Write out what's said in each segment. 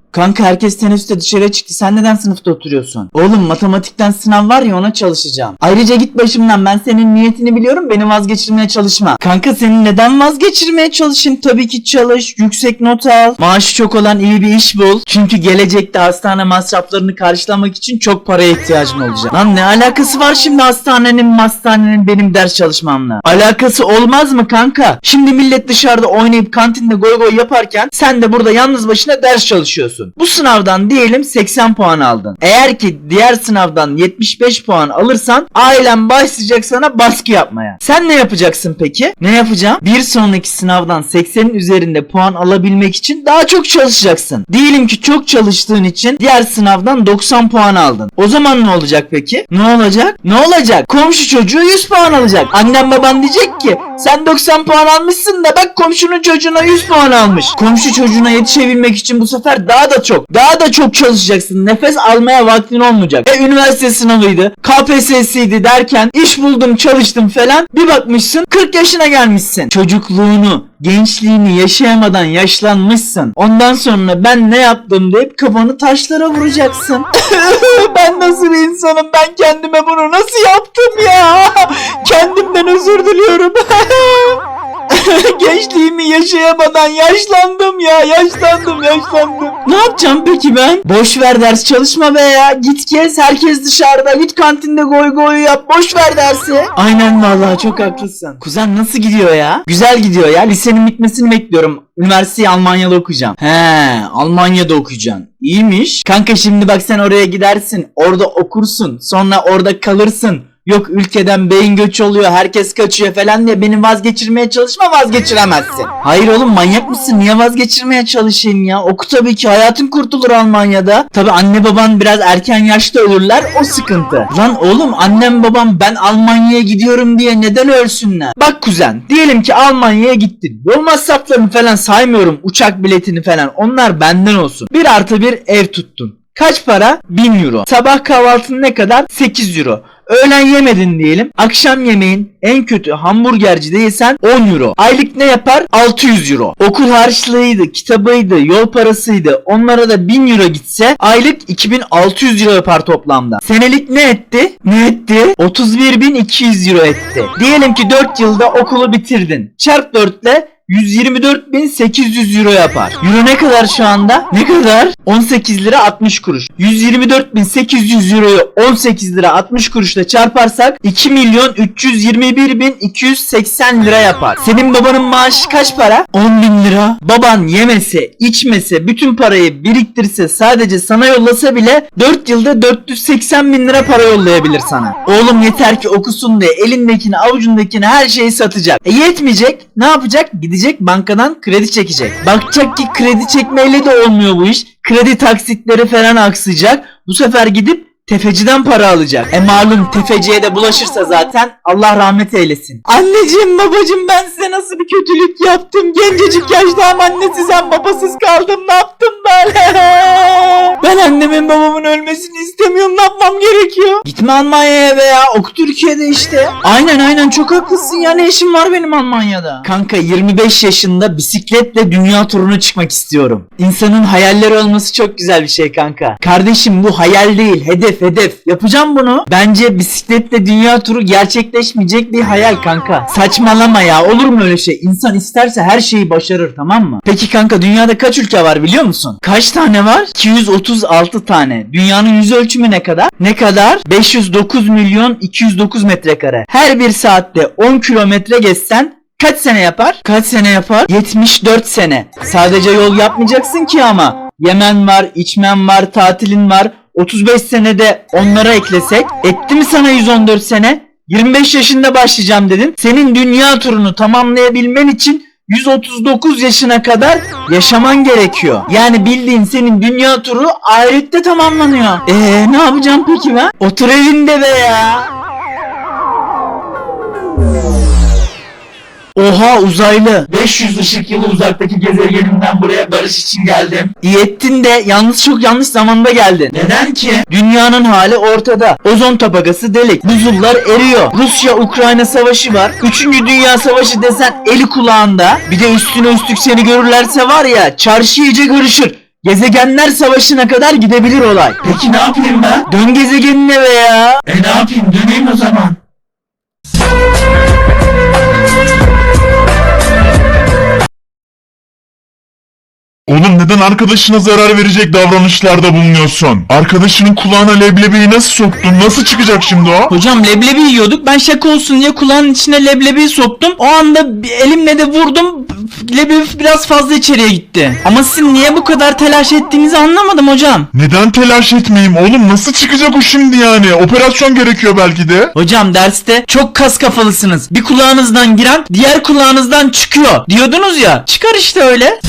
Kanka herkes teneffüste dışarıya çıktı. Sen neden sınıfta oturuyorsun? Oğlum matematikten sınav var ya, ona çalışacağım. Ayrıca git başımdan, ben senin niyetini biliyorum, beni vazgeçirmeye çalışma. Kanka seni neden vazgeçirmeye çalışayım? Tabii ki çalış, yüksek not al, maaşı çok olan iyi bir iş bul. Çünkü gelecekte hastane masraflarını karşılamak için çok paraya ihtiyacım olacak. Lan ne alakası var şimdi hastanenin benim ders çalışmamla? Alakası olmaz mı kanka? Şimdi millet dışarıda oynayıp kantinde goy goy yaparken sen de burada yalnız başına ders çalışıyorsun. Bu sınavdan diyelim 80 puan aldın. Eğer ki diğer sınavdan 75 puan alırsan ailen başlayacak sana baskı yapmaya. Sen ne yapacaksın peki? Ne yapacağım? Bir sonraki sınavdan 80'in üzerinde puan alabilmek için daha çok çalışacaksın. Diyelim ki çok çalıştığın için diğer sınavdan 90 puan aldın. O zaman ne olacak peki? Ne olacak? Ne olacak? Komşu çocuğu 100 puan alacak. Annem baban diyecek ki sen 90 puan almışsın da bak komşunun çocuğuna 100 puan almış. Komşu çocuğuna yetişebilmek için bu sefer daha da çok çalışacaksın. Nefes almaya vaktin olmayacak. Üniversite sınavıydı, KPSS'ydi derken iş buldum, çalıştım falan. Bir bakmışsın 40 yaşına gelmişsin. Çocukluğunu, gençliğini yaşayamadan yaşlanmışsın. Ondan sonra ben ne yaptım deyip kafanı taşlara vuracaksın. Ben nasıl bir insanım? Ben kendime bunu nasıl yaptım ya? Kendimden özür diliyorum. Gençliğimi yaşayamadan yaşlandım ya. Yaşlandım. Ne yapacağım peki ben? Boş ver, ders çalışma be ya. Git gez, herkes dışarıda. Git kantinde goy goy yap. Boş ver dersi. Aynen vallahi, çok haklısın. Kuzen nasıl gidiyor ya? Güzel gidiyor ya. Lisenin bitmesini bekliyorum. Üniversiteyi Almanya'da okuyacağım. Almanya'da okuyacaksın. İyiymiş. Kanka şimdi bak, sen oraya gidersin. Orada okursun. Sonra orada kalırsın. Yok ülkeden beyin göçü oluyor, herkes kaçıyor falan diye beni vazgeçirmeye çalışma, vazgeçiremezsin. Hayır oğlum, manyak mısın? Niye vazgeçirmeye çalışayım ya? Oku tabii ki, hayatın kurtulur Almanya'da. Tabii anne baban biraz erken yaşta ölürler, o sıkıntı. Lan oğlum, annem babam ben Almanya'ya gidiyorum diye neden ölsünler? Bak kuzen, diyelim ki Almanya'ya gittin. Yol masraflarını falan saymıyorum, uçak biletini falan, onlar benden olsun. 1+1 ev tuttun. Kaç para? 1000 euro. Sabah kahvaltın ne kadar? 8 euro. Öğlen yemedin diyelim. Akşam yemeğin en kötü hamburgerci değilsen 10 euro. Aylık ne yapar? 600 euro. Okul harçlığıydı, kitabıydı, yol parasıydı. Onlara da 1000 euro gitse aylık 2600 euro yapar toplamda. Senelik ne etti? 31.200 euro etti. Diyelim ki 4 yılda okulu bitirdin. Çarp 4 ile 124.800 euro yapar. Euro ne kadar şu anda? Ne kadar? 18 lira 60 kuruş. 124.800 euroyu 18 lira 60 kuruşla çarparsak 2.321.280 lira yapar. Senin babanın maaşı kaç para? 10.000 lira. Baban yemese, içmese, bütün parayı biriktirse, sadece sana yollasa bile 4 yılda 480.000 lira para yollayabilir sana. Oğlum yeter ki okusun diye elindekini, avucundakini, her şeyi satacak. Yetmeyecek. Ne yapacak? Gidecek bankadan kredi çekecek. Bakacak ki kredi çekmeyle de olmuyor bu iş. Kredi taksitleri falan aksayacak. Bu sefer gidip tefeciden para alacak. Malum tefeciye de bulaşırsa zaten Allah rahmet eylesin. Anneciğim, babacığım, ben size nasıl bir kötülük yaptım? Gencecik yaşta hem annesiz hem babasız kaldım. Ne yaptım ben? Ben annemin babamın ölmesini istemiyorum. Ne yapmam gerekiyor? Gitme Almanya'ya veya oku Türkiye'de işte. Aynen çok haklısın ya. Ne işim var benim Almanya'da? Kanka 25 yaşında bisikletle dünya turuna çıkmak istiyorum. İnsanın hayalleri olması çok güzel bir şey kanka. Kardeşim, bu hayal değil, hedef. Yapacağım bunu. Bence bisikletle dünya turu gerçekleşmeyecek bir hayal kanka. Saçmalama ya. Olur mu öyle şey? İnsan isterse her şeyi başarır, tamam mı? Peki kanka, dünyada kaç ülke var biliyor musun? Kaç tane var? 236 tane. Dünyanın yüz ölçümü ne kadar? Ne kadar? 509.209 metrekare. Her bir saatte 10 kilometre geçsen kaç sene yapar? 74 sene. Sadece yol yapmayacaksın ki ama. Yemen var, içmen var, tatilin var. 35 senede onlara eklesek etti mi sana 114 sene? 25 yaşında başlayacağım dedin. Senin dünya turunu tamamlayabilmen için 139 yaşına kadar yaşaman gerekiyor. Yani bildiğin senin dünya turu ahirette tamamlanıyor. Ne yapacağım peki ben? Otur evinde be ya. Oha, uzaylı. 500 ışık yılı uzaktaki gezegenimden buraya barış için geldim. İyi ettin de yalnız çok yanlış zamanda geldin. Neden ki? Dünyanın hali ortada. Ozon tabakası delik. Buzullar eriyor. Rusya-Ukrayna savaşı var. 3. Dünya Savaşı desen eli kulağında. Bir de üstüne üstlük seni görürlerse var ya, çarşı iyice karışır. Gezegenler savaşına kadar gidebilir olay. Peki ne yapayım ben? Dön gezegenine be ya. Ne yapayım, döneyim o zaman. Oğlum neden arkadaşına zarar verecek davranışlarda bulunuyorsun? Arkadaşının kulağına leblebiyi nasıl soktun? Nasıl çıkacak şimdi o? Hocam leblebi yiyorduk. Ben şaka olsun diye kulağın içine leblebiyi soktum. O anda elimle de vurdum. Leblebi biraz fazla içeriye gitti. Ama sizin niye bu kadar telaş ettiğinizi anlamadım hocam. Neden telaş etmeyeyim oğlum? Nasıl çıkacak o şimdi yani? Operasyon gerekiyor belki de. Hocam derste çok kas kafalısınız. Bir kulağınızdan giren diğer kulağınızdan çıkıyor diyordunuz ya. Çıkar işte öyle.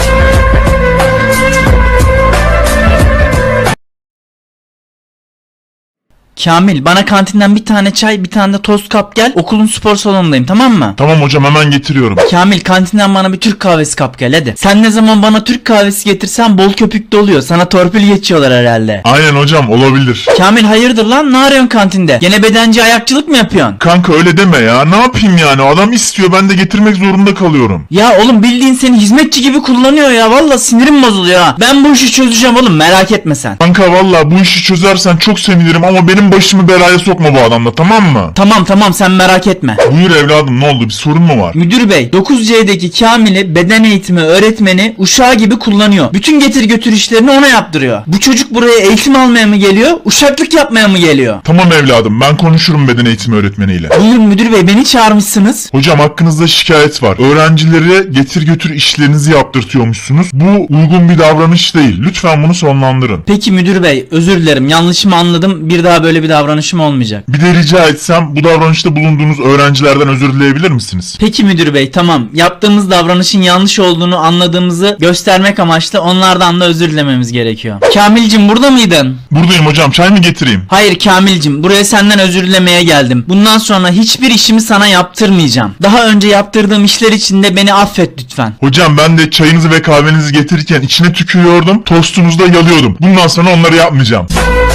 Kamil, bana kantinden bir tane çay, bir tane de tost kap gel. Okulun spor salonundayım, tamam mı? Tamam hocam, hemen getiriyorum. Kamil, kantinden bana bir Türk kahvesi kap gel hadi. Sen ne zaman bana Türk kahvesi getirsen bol köpüklü oluyor. Sana torpil geçiyorlar herhalde. Aynen hocam, olabilir. Kamil, hayırdır lan? Ne arıyorsun kantinde? Gene bedenci ayakçılık mı yapıyorsun? Kanka öyle deme ya. Ne yapayım yani? Adam istiyor, ben de getirmek zorunda kalıyorum. Ya oğlum, bildiğin seni hizmetçi gibi kullanıyor ya. Valla sinirim bozuluyor ha. Ben bu işi çözeceğim oğlum, merak etme sen. Kanka valla bu işi çözersen çok sevinirim ama benim başımı belaya sokma bu adamla, tamam mı? Tamam sen merak etme. Buyur evladım, ne oldu, bir sorun mu var? Müdür bey, 9C'deki Kamil'i beden eğitimi öğretmeni uşağı gibi kullanıyor. Bütün getir götür işlerini ona yaptırıyor. Bu çocuk buraya eğitim almaya mı geliyor, uşaklık yapmaya mı geliyor? Tamam evladım, ben konuşurum beden eğitimi öğretmeniyle. Buyurun müdür bey, beni çağırmışsınız. Hocam hakkınızda şikayet var. Öğrencilere getir götür işlerinizi yaptırtıyormuşsunuz. Bu uygun bir davranış değil. Lütfen bunu sonlandırın. Peki müdür bey, özür dilerim, yanlışımı anladım, bir daha böyle bir davranışım olmayacak. Bir de rica etsem bu davranışta bulunduğunuz öğrencilerden özür dileyebilir misiniz? Peki müdür bey, tamam, yaptığımız davranışın yanlış olduğunu anladığımızı göstermek amaçlı onlardan da özür dilememiz gerekiyor. Kamilcim, burada mıydın? Buradayım hocam, çay mı getireyim? Hayır Kamilcim, buraya senden özür dilemeye geldim. Bundan sonra hiçbir işimi sana yaptırmayacağım. Daha önce yaptırdığım işler için de beni affet lütfen. Hocam ben de çayınızı ve kahvenizi getirirken içine tükürüyordum, tostunuzu da yalıyordum. Bundan sonra onları yapmayacağım.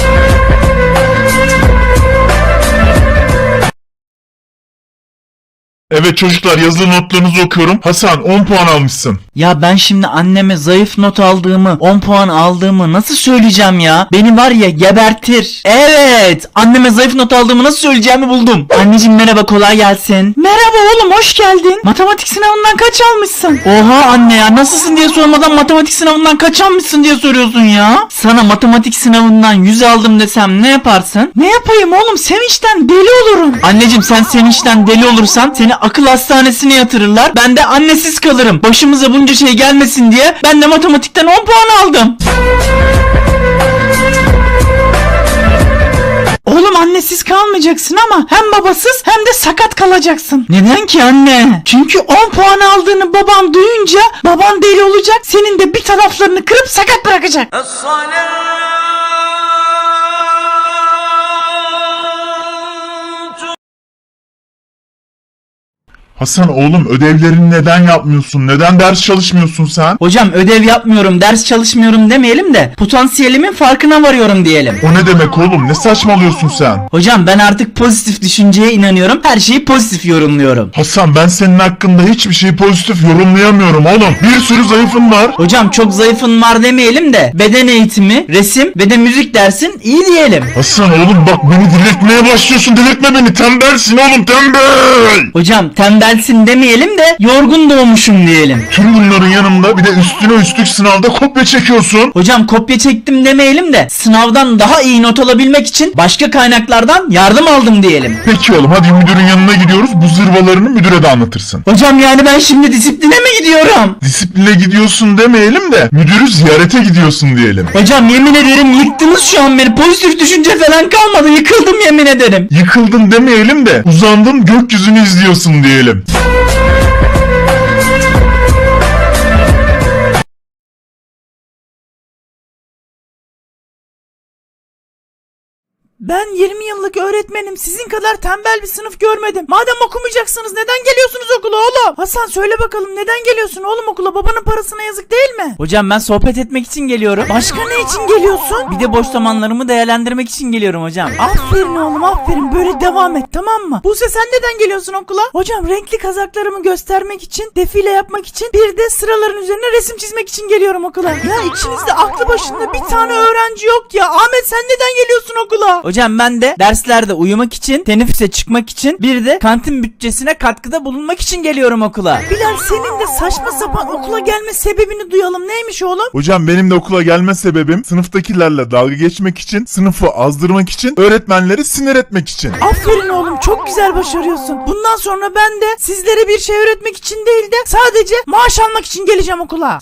Evet çocuklar, yazılı notlarınızı okuyorum. Hasan 10 puan almışsın. Ya ben şimdi anneme zayıf not aldığımı, 10 puan aldığımı nasıl söyleyeceğim ya? Beni var ya gebertir. Evet, anneme zayıf not aldığımı nasıl söyleyeceğimi buldum. Anneciğim merhaba, kolay gelsin. Merhaba oğlum, hoş geldin. Matematik sınavından kaç almışsın? Oha anne ya, nasılsın diye sormadan matematik sınavından kaç almışsın diye soruyorsun ya. Sana matematik sınavından 100 aldım desem ne yaparsın? Ne yapayım oğlum, sevinçten deli olurum. Anneciğim sen sevinçten deli olursan seni akıl hastanesine yatırırlar. Ben de annesiz kalırım. Başımıza bunca şey gelmesin diye ben de matematikten 10 puan aldım. Oğlum annesiz kalmayacaksın ama hem babasız hem de sakat kalacaksın. Neden ki anne? Çünkü 10 puan aldığını baban duyunca baban deli olacak. Senin de bir taraflarını kırıp sakat bırakacak. Hasan oğlum, ödevlerini neden yapmıyorsun? Neden ders çalışmıyorsun sen? Hocam ödev yapmıyorum, ders çalışmıyorum demeyelim de potansiyelimin farkına varıyorum diyelim. O ne demek oğlum? Ne saçmalıyorsun sen? Hocam ben artık pozitif düşünceye inanıyorum. Her şeyi pozitif yorumluyorum. Hasan ben senin hakkında hiçbir şeyi pozitif yorumlayamıyorum oğlum. Bir sürü zayıfın var. Hocam çok zayıfın var demeyelim de beden eğitimi, resim ve de müzik dersin iyi diyelim. Hasan oğlum bak, beni delirtmeye başlıyorsun. Delirtme beni, tembelsin oğlum, tembel. Hocam tembelsin demeyelim de yorgun doğmuşum diyelim. Tüm bunların yanında bir de üstüne üstlük sınavda kopya çekiyorsun. Hocam kopya çektim demeyelim de sınavdan daha iyi not alabilmek için başka kaynaklardan yardım aldım diyelim. Peki oğlum, hadi müdürün yanına gidiyoruz. Bu zırvalarını müdüre de anlatırsın. Hocam yani ben şimdi disipline mi gidiyorum? Disipline gidiyorsun demeyelim de müdürü ziyarete gidiyorsun diyelim. Hocam yemin ederim yıktınız şu an beni. Pozitif düşünce falan kalmadı. Yıkıldım yemin ederim. Yıkıldın demeyelim de uzandın gökyüzünü izliyorsun diyelim. Ben 20 yıllık öğretmenim. Sizin kadar tembel bir sınıf görmedim. Madem okumayacaksınız neden geliyorsunuz okula oğlum? Hasan söyle bakalım neden geliyorsun oğlum okula? Babanın parasına yazık değil mi? Hocam ben sohbet etmek için geliyorum. Başka ne için geliyorsun? Bir de boş zamanlarımı değerlendirmek için geliyorum hocam. Aferin oğlum aferin, böyle devam et tamam mı? Buse sen neden geliyorsun okula? Hocam renkli kazaklarımı göstermek için, defile yapmak için, bir de sıraların üzerine resim çizmek için geliyorum okula. Ya içinizde aklı başında bir tane öğrenci yok ya. Ahmet sen neden geliyorsun okula? Hocam ben de derslerde uyumak için, teneffüse çıkmak için, bir de kantin bütçesine katkıda bulunmak için geliyorum okula. Bilal senin de saçma sapan okula gelme sebebini duyalım. Neymiş oğlum? Hocam benim de okula gelme sebebim sınıftakilerle dalga geçmek için, sınıfı azdırmak için, öğretmenleri sinir etmek için. Aferin oğlum, çok güzel başarıyorsun. Bundan sonra ben de sizlere bir şey öğretmek için değil de sadece maaş almak için geleceğim okula.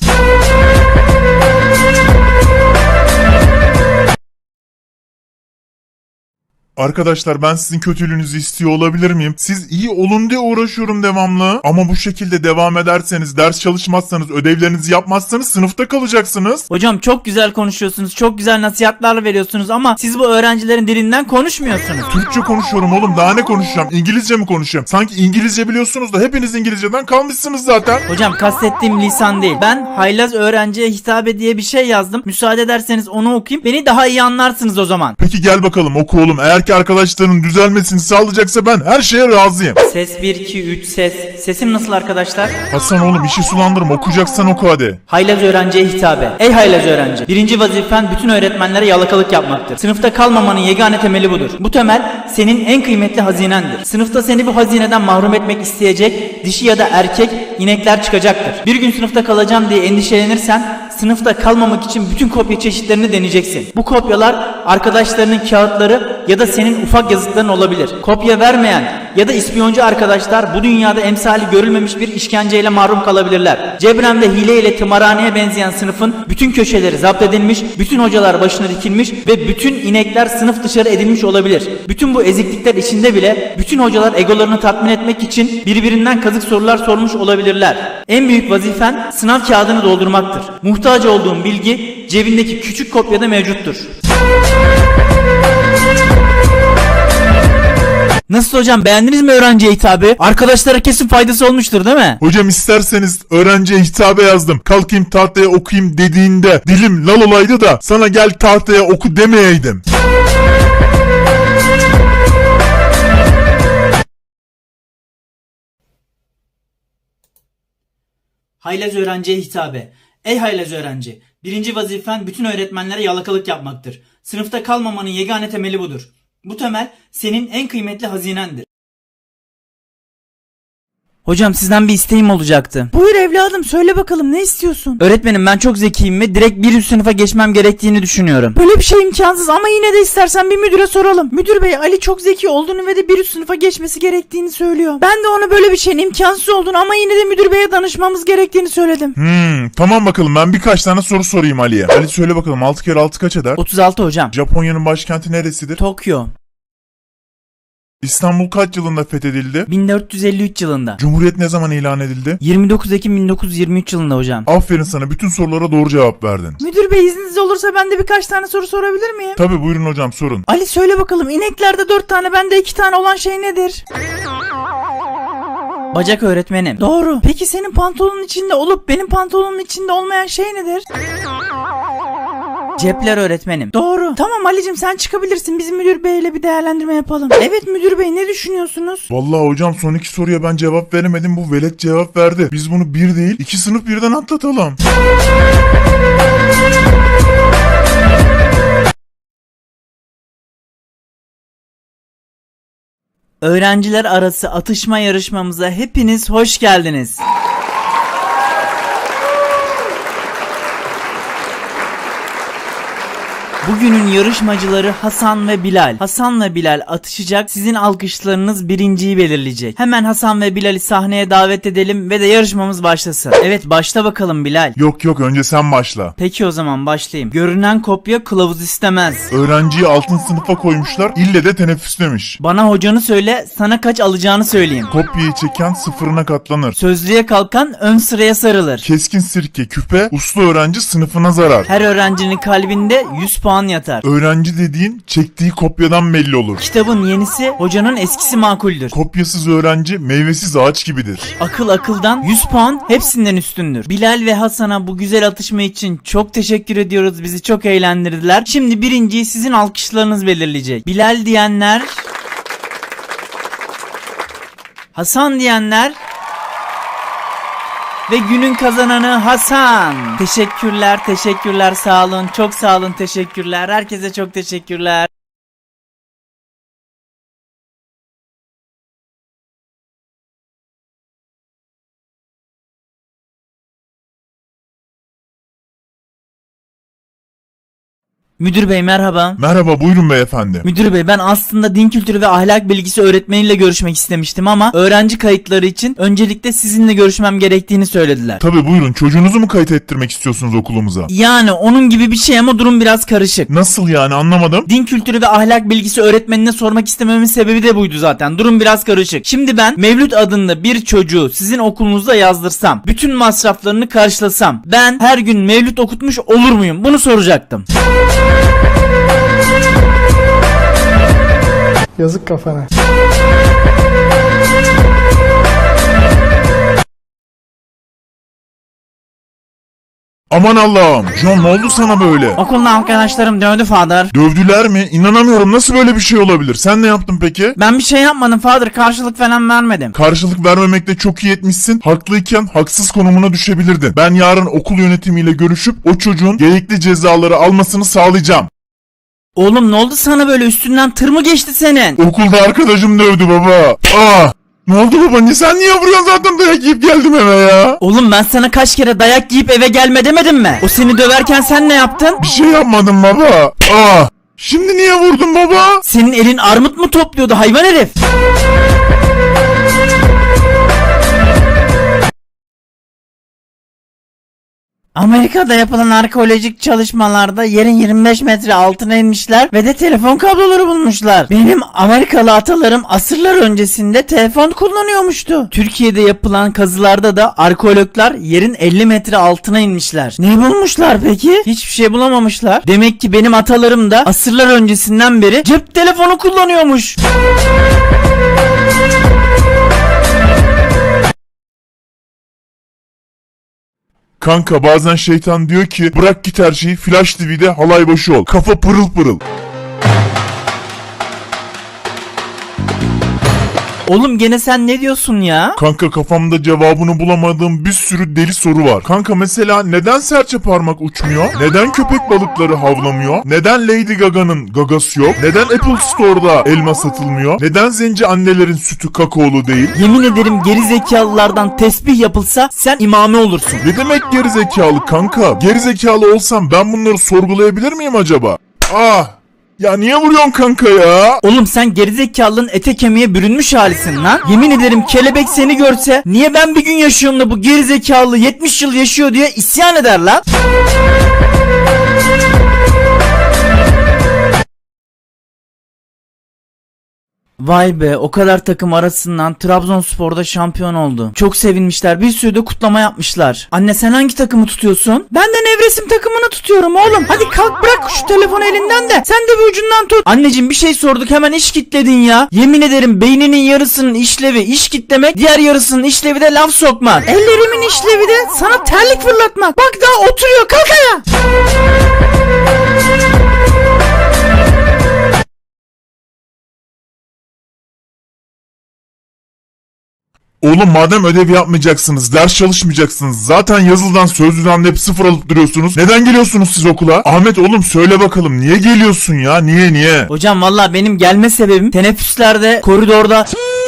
Arkadaşlar ben sizin kötülüğünüzü istiyor olabilir miyim? Siz iyi olun diye uğraşıyorum devamlı. Ama bu şekilde devam ederseniz, ders çalışmazsanız, ödevlerinizi yapmazsanız sınıfta kalacaksınız. Hocam çok güzel konuşuyorsunuz, çok güzel nasihatler veriyorsunuz ama siz bu öğrencilerin dilinden konuşmuyorsunuz. Türkçe konuşuyorum oğlum, daha ne konuşacağım? İngilizce mi konuşacağım? Sanki İngilizce biliyorsunuz da hepiniz İngilizceden kalmışsınız zaten. Hocam kastettiğim lisan değil. Ben haylaz öğrenciye hitabe diye bir şey yazdım. Müsaade ederseniz onu okuyayım. Beni daha iyi anlarsınız o zaman. Peki gel bakalım oku oğlum. Eğer ki arkadaşların düzelmesini sağlayacaksa ben her şeye razıyım. Ses 1 2 3 ses. Sesim nasıl arkadaşlar? Hasan oğlum işi sulandırma, okuyacaksan oku hadi. Haylaz öğrenciye hitabe. Ey haylaz öğrenci. Birinci vazifen bütün öğretmenlere yalakalık yapmaktır. Sınıfta kalmamanın yegane temeli budur. Bu temel senin en kıymetli hazinendir. Sınıfta seni bu hazineden mahrum etmek isteyecek dişi ya da erkek inekler çıkacaktır. Bir gün sınıfta kalacağım diye endişelenirsen sınıfta kalmamak için bütün kopya çeşitlerini deneyeceksin. Bu kopyalar arkadaşlarının kağıtları ya da senin ufak yazıtların olabilir. Kopya vermeyen ya da ispiyoncu arkadaşlar bu dünyada emsali görülmemiş bir işkenceyle mahrum kalabilirler. Cebren ve hile ile tımarhaneye benzeyen sınıfın bütün köşeleri zapt edilmiş, bütün hocalar başına dikilmiş ve bütün inekler sınıf dışarı edilmiş olabilir. Bütün bu eziklikler içinde bile bütün hocalar egolarını tatmin etmek için birbirinden kazık sorular sormuş olabilirler. En büyük vazifen sınav kağıdını doldurmaktır. Muhtaç olduğun bilgi cebindeki küçük kopyada mevcuttur. Nasıl hocam, beğendiniz mi öğrenciye hitabı? Arkadaşlara kesin faydası olmuştur değil mi? Hocam isterseniz öğrenciye hitabe yazdım. Kalkayım tahtaya okuyayım dediğinde dilim lal olaydı da sana gel tahtaya oku demeyeydim. Haylaz öğrenciye hitabe. Ey haylaz öğrenci. Birinci vazifen bütün öğretmenlere yalakalık yapmaktır. Sınıfta kalmamanın yegane temeli budur. Bu temel senin en kıymetli hazinendir. Hocam sizden bir isteğim olacaktı. Buyur evladım, söyle bakalım ne istiyorsun? Öğretmenim ben çok zekiyim ve direkt bir üst sınıfa geçmem gerektiğini düşünüyorum. Böyle bir şey imkansız ama yine de istersen bir müdüre soralım. Müdür bey Ali çok zeki olduğunu ve de bir üst sınıfa geçmesi gerektiğini söylüyor. Ben de ona böyle bir şeyin imkansız olduğunu ama yine de müdür beye danışmamız gerektiğini söyledim. Tamam bakalım ben birkaç tane soru sorayım Ali'ye. Ali söyle bakalım 6 kere 6 kaç eder? 36 hocam. Japonya'nın başkenti neresidir? Tokyo. İstanbul kaç yılında fethedildi? 1453 yılında. Cumhuriyet ne zaman ilan edildi? 29 Ekim 1923 yılında hocam. Aferin sana, bütün sorulara doğru cevap verdin. Müdür bey izniniz olursa ben de birkaç tane soru sorabilir miyim? Tabi buyurun hocam sorun. Ali söyle bakalım ineklerde 4 tane bende 2 tane olan şey nedir? Bacak öğretmenim. Doğru. Peki senin pantolonun içinde olup benim pantolonun içinde olmayan şey nedir? Cepler öğretmenim. Doğru. Tamam Ali'cim sen çıkabilirsin. Biz müdür beyle bir değerlendirme yapalım. Evet müdür bey ne düşünüyorsunuz? Vallahi hocam son iki soruya ben cevap veremedim, bu velet cevap verdi. Biz bunu bir değil 2 sınıf birden atlatalım. Öğrenciler arası atışma yarışmamıza hepiniz hoş geldiniz. Bugünün yarışmacıları Hasan ve Bilal. Hasan ve Bilal atışacak. Sizin alkışlarınız birinciyi belirleyecek. Hemen Hasan ve Bilal'i sahneye davet edelim ve de yarışmamız başlasın. Evet başla bakalım Bilal. Yok önce sen başla. Peki o zaman başlayayım. Görünen kopya kılavuz istemez. Öğrenciyi altın sınıfa koymuşlar, ille de teneffüslemiş. Bana hocanı söyle, sana kaç alacağını söyleyeyim. Kopyayı çeken sıfırına katlanır. Sözlüğe kalkan ön sıraya sarılır. Keskin sirke küpe, uslu öğrenci sınıfına zarar. Her öğrencinin kalbinde 100 puan puan yatar. Öğrenci dediğin çektiği kopyadan belli olur. Kitabın yenisi, hocanın eskisi makuldür. Kopyasız öğrenci meyvesiz ağaç gibidir. Akıl akıldan 100 puan hepsinden üstündür. Bilal ve Hasan'a bu güzel atışma için çok teşekkür ediyoruz. Bizi çok eğlendirdiler. Şimdi birinciyi sizin alkışlarınız belirleyecek. Bilal diyenler, Hasan diyenler ve günün kazananı Hasan. Teşekkürler, sağ olun, çok sağ olun, teşekkürler. Herkese çok teşekkürler. Müdür bey merhaba. Merhaba, buyurun beyefendi. Müdür bey ben aslında din kültürü ve ahlak bilgisi öğretmeniyle görüşmek istemiştim ama öğrenci kayıtları için öncelikle sizinle görüşmem gerektiğini söylediler. Tabii buyurun, çocuğunuzu mu kayıt ettirmek istiyorsunuz okulumuza? Yani onun gibi bir şey ama durum biraz karışık. Nasıl yani, anlamadım. Din kültürü ve ahlak bilgisi öğretmenine sormak istememin sebebi de buydu zaten. Durum biraz karışık. Şimdi ben Mevlüt adında bir çocuğu sizin okulunuzda yazdırsam, bütün masraflarını karşılasam, ben her gün Mevlüt okutmuş olur muyum? Bunu soracaktım. Yazık kafana. Aman Allah'ım, John ne oldu sana böyle? Okulda arkadaşlarım dövdü Father. Dövdüler mi? İnanamıyorum, nasıl böyle bir şey olabilir? Sen ne yaptın peki? Ben bir şey yapmadım Father, karşılık falan vermedim. Karşılık vermemekte çok iyi etmişsin. Haklıyken haksız konumuna düşebilirdin. Ben yarın okul yönetimiyle görüşüp o çocuğun gerekli cezaları almasını sağlayacağım. Oğlum ne oldu sana böyle, üstünden tır mı geçti senin? Okulda arkadaşım dövdü baba. Ah! Ne oldu baba? Sen niye vuruyorsun, zaten dayak yiyip geldim eve ya. Oğlum ben sana kaç kere dayak yiyip eve gelme demedim mi? O seni döverken sen ne yaptın? Bir şey yapmadım baba. Ah! Şimdi niye vurdun baba? Senin elin armut mu topluyordu hayvan herif? Amerika'da yapılan arkeolojik çalışmalarda yerin 25 metre altına inmişler ve de telefon kabloları bulmuşlar. Benim Amerikalı atalarım asırlar öncesinde telefon kullanıyormuştu. Türkiye'de yapılan kazılarda da arkeologlar yerin 50 metre altına inmişler. Ne bulmuşlar peki? Hiçbir şey bulamamışlar. Demek ki benim atalarım da asırlar öncesinden beri cep telefonu kullanıyormuş. Kanka bazen şeytan diyor ki bırak git her şeyi, Flash TV'de halay başı ol. Kafa pırıl pırıl. Oğlum gene sen ne diyorsun ya? Kanka kafamda cevabını bulamadığım bir sürü deli soru var. Kanka mesela neden serçe parmak uçmuyor? Neden köpek balıkları havlamıyor? Neden Lady Gaga'nın gagası yok? Neden Apple Store'da elma satılmıyor? Neden zenci annelerin sütü kakaolu değil? Yemin ederim geri zekalılardan tesbih yapılsa sen imame olursun. Ne demek gerizekalı kanka? Gerizekalı olsam ben bunları sorgulayabilir miyim acaba? Ah! Ya niye vuruyorsun kanka ya? Oğlum sen gerizekalının ete kemiğe bürünmüş halisin lan. Yemin ederim kelebek seni görse niye ben bir gün yaşıyorum da bu gerizekalı 70 yıl yaşıyor diye isyan eder lan. Vay be, o kadar takım arasından Trabzonspor'da şampiyon oldu. Çok sevinmişler, bir sürü de kutlama yapmışlar. Anne sen hangi takımı tutuyorsun? Ben de Nevresim takımını tutuyorum oğlum. Hadi kalk bırak şu telefonu elinden de sen de bir ucundan tut. Anneciğim bir şey sorduk hemen iş kitledin ya. Yemin ederim beyninin yarısının işlevi iş kitlemek, diğer yarısının işlevi de laf sokmak. Ellerimin işlevi de sana terlik fırlatmak. Bak daha oturuyor, kalk ayağa. Oğlum madem ödev yapmayacaksınız, ders çalışmayacaksınız, zaten yazılıdan sözlüden de hep sıfır alıp duruyorsunuz. Neden geliyorsunuz siz okula? Ahmet oğlum söyle bakalım, niye geliyorsun ya? Niye? Hocam valla benim gelme sebebim teneffüslerde koridorda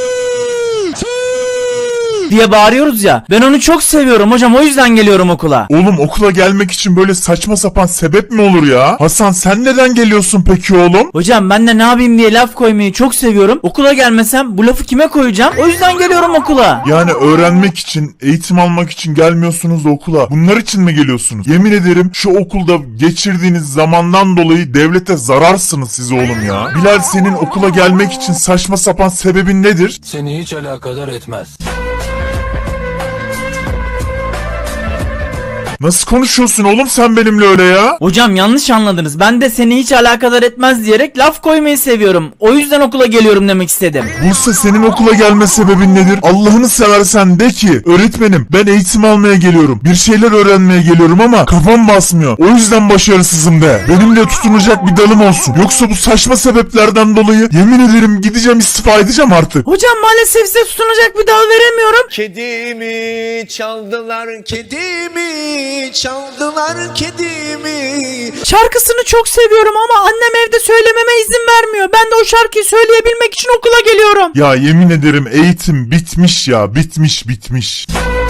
diye bağırıyoruz ya. Ben onu çok seviyorum hocam, o yüzden geliyorum okula. Oğlum okula gelmek için böyle saçma sapan sebep mi olur ya? Hasan sen neden geliyorsun peki oğlum? Hocam ben de ne yapayım diye laf koymayı çok seviyorum. Okula gelmesem bu lafı kime koyacağım? O yüzden geliyorum okula. Yani öğrenmek için, eğitim almak için gelmiyorsunuz da okula. Bunlar için mi geliyorsunuz? Yemin ederim şu okulda geçirdiğiniz zamandan dolayı devlete zararsınız siz oğlum ya. Bilal senin okula gelmek için saçma sapan sebebin nedir? Seni hiç alakadar etmez. Nasıl konuşuyorsun oğlum sen benimle öyle ya? Hocam yanlış anladınız. Ben de seni hiç alakadar etmez diyerek laf koymayı seviyorum. O yüzden okula geliyorum demek istedim. Buse, senin okula gelme sebebin nedir? Allah'ını seversen de ki öğretmenim ben eğitim almaya geliyorum. Bir şeyler öğrenmeye geliyorum ama kafam basmıyor. O yüzden başarısızım de. Benim de tutunacak bir dalım olsun. Yoksa bu saçma sebeplerden dolayı yemin ederim gideceğim, istifa edeceğim artık. Hocam maalesef size tutunacak bir dal veremiyorum. Kedimi çaldılar, kedimi çaldılar, kedimi. Şarkısını çok seviyorum ama annem evde söylememe izin vermiyor. Ben de o şarkıyı söyleyebilmek için okula geliyorum. Ya yemin ederim eğitim bitmiş ya, bitmiş.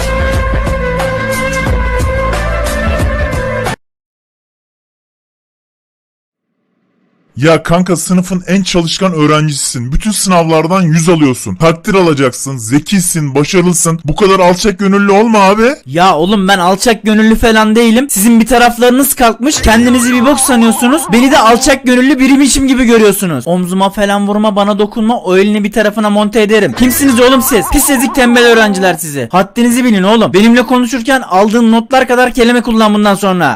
Ya kanka, sınıfın en çalışkan öğrencisisin. Bütün sınavlardan 100 alıyorsun. Takdir alacaksın. Zekisin, başarılısın. Bu kadar alçak gönüllü olma abi. Ya oğlum ben alçak gönüllü falan değilim. Sizin bir taraflarınız kalkmış. Kendinizi bir bok sanıyorsunuz. Beni de alçak gönüllü biriymişim gibi görüyorsunuz. Omzuma falan vurma, bana dokunma. O elini bir tarafına monte ederim. Kimsiniz oğlum siz? Pis ezik tembel öğrenciler sizi. Haddinizi bilin oğlum. Benimle konuşurken aldığın notlar kadar kelime kullan bundan sonra.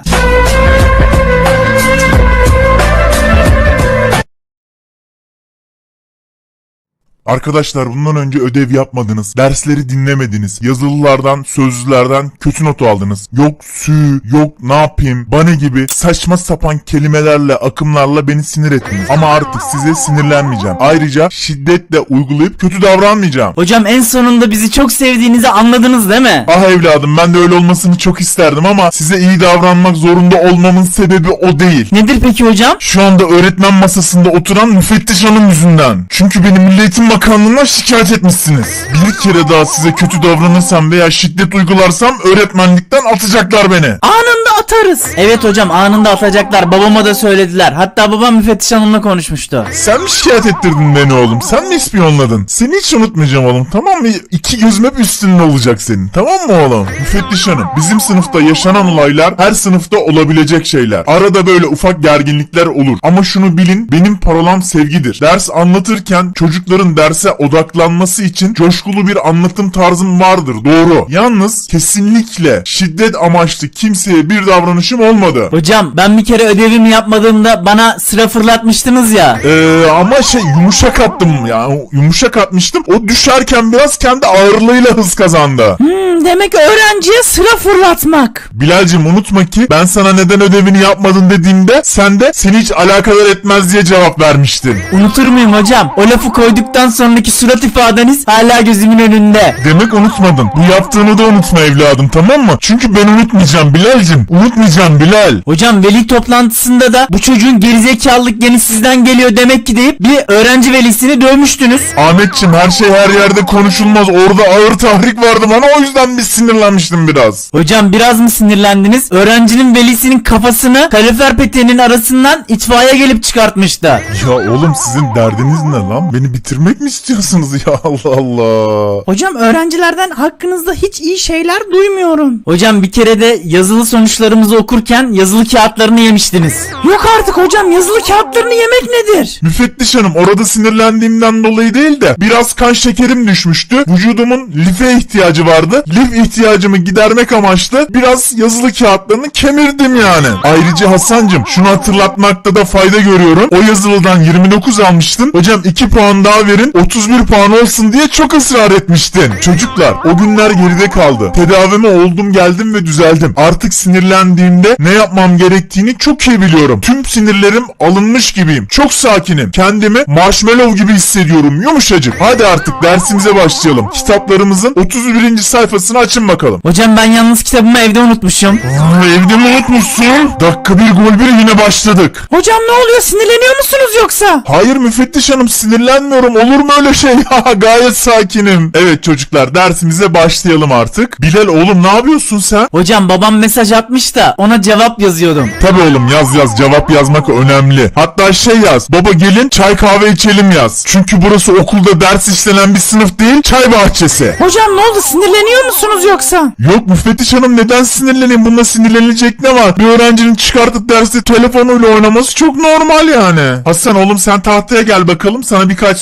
Arkadaşlar, bundan önce ödev yapmadınız. Dersleri dinlemediniz. Yazılılardan, sözlülerden kötü not aldınız. Yok sü, yok ne yapayım, bana gibi saçma sapan kelimelerle, akımlarla beni sinir ettiniz. Ama artık size sinirlenmeyeceğim. Ayrıca şiddetle uygulayıp kötü davranmayacağım. Hocam en sonunda bizi çok sevdiğinizi anladınız değil mi? Ah evladım, ben de öyle olmasını çok isterdim ama size iyi davranmak zorunda olmamın sebebi o değil. Nedir peki hocam? Şu anda öğretmen masasında oturan müfettiş hanım yüzünden. Çünkü beni Milli Eğitim Bakanlığı'na şikayet etmişsiniz. Bir kere daha size kötü davranırsam veya şiddet uygularsam öğretmenlikten atacaklar beni. Anında atarız. Evet hocam, anında atacaklar. Babama da söylediler. Hatta babam müfettiş hanımla konuşmuştu. Sen mi şikayet ettirdin beni oğlum? Sen mi ispiyonladın? Seni hiç unutmayacağım oğlum, tamam mı? İki gözüm hep üstünde olacak senin, tamam mı oğlum? Müfettiş hanım, bizim sınıfta yaşanan olaylar her sınıfta olabilecek şeyler. Arada böyle ufak gerginlikler olur. Ama şunu bilin, benim parolam sevgidir. Ders anlatırken çocukların derse odaklanması için coşkulu bir anlatım tarzım vardır, doğru. Yalnız kesinlikle şiddet amaçlı kimseye bir davranışım olmadı. Hocam ben bir kere ödevimi yapmadığımda bana sıra fırlatmıştınız ya. Ama yumuşak attım ya. Yumuşak atmıştım. O düşerken biraz kendi ağırlığıyla hız kazandı. Demek öğrenciye sıra fırlatmak. Bilal'cim, unutma ki ben sana neden ödevini yapmadın dediğimde sen de seni hiç alakadar etmez diye cevap vermiştin. Unutur muyum hocam? O lafı koyduktan sonraki surat ifadeniz hala gözümün önünde. Demek unutmadın. Bu yaptığını da unutma evladım, tamam mı? Çünkü ben unutmayacağım Bilal'cim. Unutmayacağım Bilal. Hocam veli toplantısında da bu çocuğun gerizekalılık geni sizden geliyor demek ki deyip bir öğrenci velisini dövmüştünüz. Ahmetçim, her şey her yerde konuşulmaz. Orada ağır tahrik vardı bana, o yüzden bir sinirlenmiştim biraz. Hocam biraz mı sinirlendiniz? Öğrencinin velisinin kafasını kalorifer peteğinin arasından itfaiye gelip çıkartmıştı. Ya oğlum, sizin derdiniz ne lan? Beni bitirmek mi istiyorsunuz ya? Allah Allah. Hocam öğrencilerden hakkınızda hiç iyi şeyler duymuyorum. Hocam bir kere de yazılı sonuçlarımızı okurken yazılı kağıtlarını yemiştiniz. Yok artık hocam, yazılı kağıtlarını yemek nedir? Müfettiş hanım, orada sinirlendiğimden dolayı değil de biraz kan şekerim düşmüştü. Vücudumun life ihtiyacı vardı. Lif ihtiyacımı gidermek amaçlı biraz yazılı kağıtlarını kemirdim yani. Ayrıca Hasancım, şunu hatırlatmakta da fayda görüyorum. O yazılıdan 29 almıştın. Hocam 2 puan daha verin, 31 puan olsun diye çok ısrar etmiştin. Çocuklar, o günler geride kaldı. Tedavime oldum geldim ve düzeldim. Artık sinirlendiğimde ne yapmam gerektiğini çok iyi biliyorum. Tüm sinirlerim alınmış gibiyim. Çok sakinim. Kendimi marshmallow gibi hissediyorum. Yumuşacık. Hadi artık dersimize başlayalım. Kitaplarımızın 31. sayfasını açın bakalım. Hocam ben yalnız kitabımı evde unutmuşum. Evde mi unutmuşsun? Dakika bir gol bir yine başladık. Hocam ne oluyor, sinirleniyor musunuz yoksa? Hayır müfettiş hanım, sinirlenmiyorum. Olur mu öyle şey? Gayet sakinim. Evet çocuklar, dersimize başlayalım artık. Bilal oğlum, ne yapıyorsun sen? Hocam babam mesaj atmış da ona cevap yazıyordum. Tabii oğlum, yaz cevap yazmak önemli. Hatta şey yaz, baba gelin çay kahve içelim yaz. Çünkü burası okulda ders işlenen bir sınıf değil, çay bahçesi. Hocam ne oldu, sinirleniyor musunuz yoksa? Yok müfettiş hanım, neden sinirleneyim? Bunda sinirlenilecek ne var? Bir öğrencinin çıkartıp derste telefonuyla oynaması çok normal yani. Hasan oğlum, sen tahtaya gel bakalım, sana birkaç soru sorayım.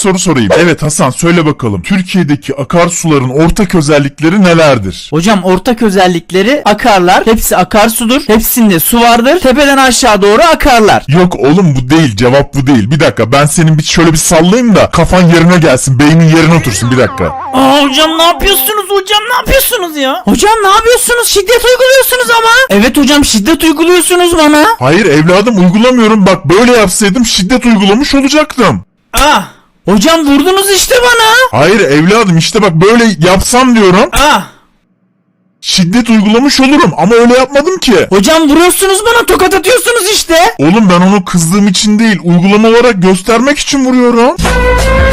sorayım. Evet Hasan, söyle bakalım. Türkiye'deki akarsuların ortak özellikleri nelerdir? Hocam ortak özellikleri akarlar. Hepsi akarsudur. Hepsinde su vardır. Tepeden aşağı doğru akarlar. Yok oğlum, bu değil, cevap bu değil. Bir dakika, ben senin şöyle bir sallayayım da kafan yerine gelsin, beynin yerine otursun, bir dakika. Hocam ne yapıyorsunuz hocam, ne yapıyorsunuz ya? Hocam ne yapıyorsunuz, şiddet uyguluyorsunuz ama. Evet hocam, şiddet uyguluyorsunuz bana. Hayır evladım, uygulamıyorum. Bak, böyle yapsaydım şiddet uygulamış olacaktım. Ah! Hocam vurdunuz işte bana. Hayır evladım, işte bak böyle yapsam diyorum. Ah! Şiddet uygulamış olurum ama öyle yapmadım ki. Hocam vuruyorsunuz bana, tokat atıyorsunuz işte. Oğlum ben onu kızdığım için değil, uygulama olarak göstermek için vuruyorum.